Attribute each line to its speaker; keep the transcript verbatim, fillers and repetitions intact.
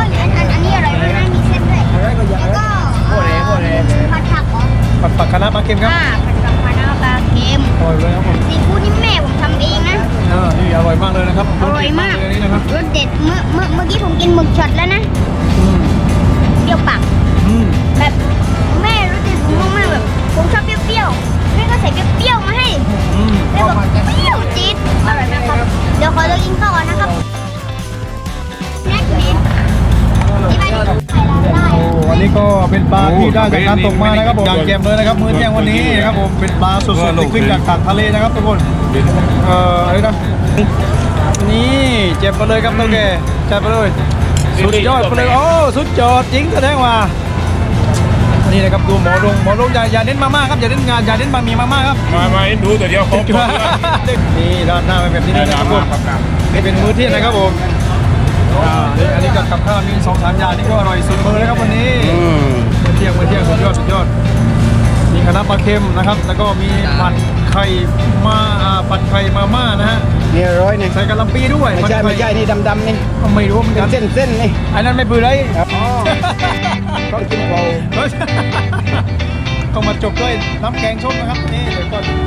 Speaker 1: ยอันอันอันนี้อร่อยด้วยนะมีเส้นด้วยแล้วก็ผัดผักเหรอ
Speaker 2: ผัดผักคะน้าปลาเค็มครับ
Speaker 1: อ่าผัดผักคะน้าปลาเค็ม
Speaker 2: อร่อยเลยครับผม
Speaker 1: ซีฟู้ดนี่แม่ผมทำเองนะ
Speaker 2: อ่านี่อร่อยมากเลยนะครับ
Speaker 1: อร่อยมาก
Speaker 2: เลยนี่นะครับ
Speaker 1: รสเด็ดเมื่อเมื่อเมื่อกี้ผมกินหมึกช็อตแล้วนะ
Speaker 2: อืม
Speaker 1: เปรี้ยวปาก
Speaker 2: อืม
Speaker 1: แบบแม่รสเด็ดผมมากๆแบบผมชอบเปรี้ยวๆแม่ก็ใส่เปรี้ยวๆมาให้
Speaker 2: อืม
Speaker 1: แม่บอกเปรี้ยวจี๊ดอร่อยมากครับเดี๋ยวขอเรากินข้าวก่อนนะครับแม่กินที่บ้านนี่ไข่ลาได้
Speaker 2: โอ้วันนี้ก็เป็นปลาที่ได้จากการตกมานะครับผมอย่างแจ่มเลยนะครับมื้อเที่ยงวันนี้นะครับผมเป็นปลาสดๆที่ขึ้นจากจากทะเลนะครับทุกคนเอ่ออะไรนะนี่เจ็บไปเลยครับน้องแกจัดไปเลยสุดยอดไปเลยโอ้สุดยอดจริงแสดงว่านี่นะครับดูหมอลงหมอลงอย่าอย่าเน้นมาม่าครับอย่าเน้นงานอย่าเน้นบะหมี่มาม่าครับ
Speaker 3: มามาเอ็นดูแต่เดียวครบ
Speaker 2: นี่ด้านหน้าเป็นแบบนี้นะครับผมนี่เป็นมื้อเที่ยงนะครับผมอ่านี่อันนี้กับกับข้าวมีสองสามอย่างนี่ก็อร่อยสุดมือเลยครับวันนี้มื้อเที่ยงมื้อเที่ยงสุดยอดสุดยอดมีคะน้าปลาเค็มนะครับแล้วก็มีผัดไข่มาอ่าผัดไข่มาม่านะฮะ
Speaker 4: นี่ร้อยนี่
Speaker 2: ใส่กะหล่ำปีด้วย
Speaker 4: ไม่ใช่ไม่ใช่นี่ดำๆนี่
Speaker 2: ไม่รู้เหมือน
Speaker 4: เป็
Speaker 2: กัน น
Speaker 4: เส้นเส้นๆนี่
Speaker 2: อันนั้นไม่ปืนเลย
Speaker 4: อ๋อต้องกินเบา
Speaker 2: ต้องมาจบด้วยน้ำแกงส้มนะครับนี่เดี๋ยวก่อน